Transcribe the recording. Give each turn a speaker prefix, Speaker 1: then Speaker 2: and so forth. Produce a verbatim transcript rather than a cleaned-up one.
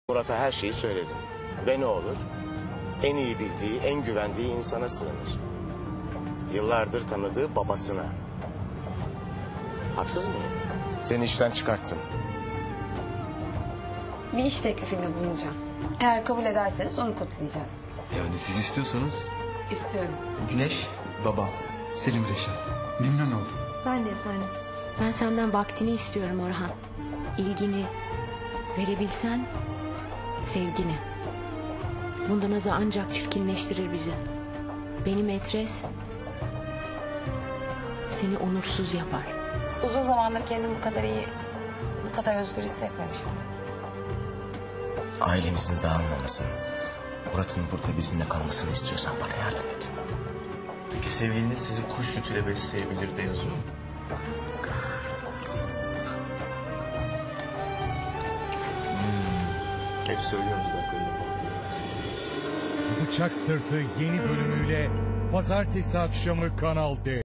Speaker 1: Murat'a her şeyi söyledim. Ve ne olur? En iyi bildiği, en güvendiği insana sığınır. Yıllardır tanıdığı babasına. Haksız mıyım? Seni işten çıkarttım.
Speaker 2: Bir iş teklifinde bulunacağım. Eğer kabul ederseniz onu kutlayacağız.
Speaker 3: Yani siz istiyorsanız.
Speaker 2: İstiyorum.
Speaker 3: Güneş, babam. Selim Reşat. Memnun oldum.
Speaker 4: Ben de efendim.
Speaker 5: Ben senden vaktini istiyorum Orhan. İlgini verebilsen sevgini. Bundan azı ancak çirkinleştirir bizi. Benim etres seni onursuz yapar.
Speaker 2: Uzun zamandır kendimi bu kadar iyi, bu kadar özgür hissetmemiştim.
Speaker 1: Ailemizin dağılmamasını, Murat'ın burada bizimle kalmasını istiyorsan bana yardım et.
Speaker 3: Peki sevgiliniz sizi kuş sütüyle besleyebilir de yazıyor. Hmm. Hep söylüyorum dudaklarında bahtı.
Speaker 6: Bıçak Sırtı yeni bölümüyle pazartesi akşamı Kanal D.